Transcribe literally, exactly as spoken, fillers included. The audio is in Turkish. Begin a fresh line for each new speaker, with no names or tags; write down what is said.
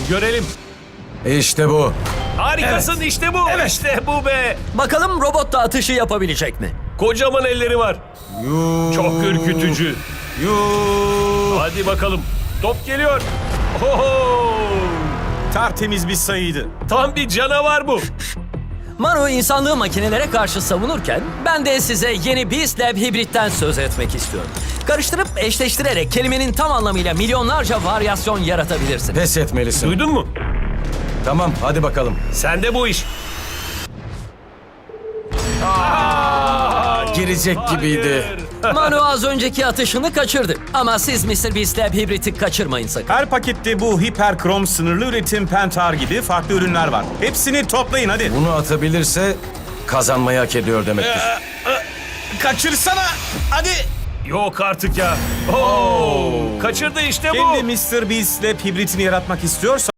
Görelim.
İşte bu.
Harikasın, işte bu. İşte bu be.
Bakalım robot da atışı yapabilecek mi?
Kocaman elleri var.
Yuu.
Çok ürkütücü.
Yuu.
Hadi bakalım. Top geliyor. Oho!
Tertemiz bir sayıydı.
Tam bir canavar bu.
Manu insanlığı makinelere karşı savunurken ben de size yeni Beast Lab hibritten söz etmek istiyorum. Karıştırıp eşleştirerek kelimenin tam anlamıyla milyonlarca varyasyon yaratabilirsin.
Pes etmelisin.
Duydun mu?
Tamam, hadi bakalım.
Sende bu iş.
Girecek gibiydi.
Manu az önceki atışını kaçırdı. Ama siz mister Beast Lab hibriti kaçırmayın sakın.
Her pakette bu hiperkrom sınırlı üretim pentar gibi farklı ürünler var. Hepsini toplayın hadi.
Bunu atabilirse kazanmayı hak ediyor demektir.
Kaçırsana. Hadi.
Yok artık ya. Oo! Kaçırdı işte bu.
Kendi mister Beast Lab hibritini yaratmak istiyorsa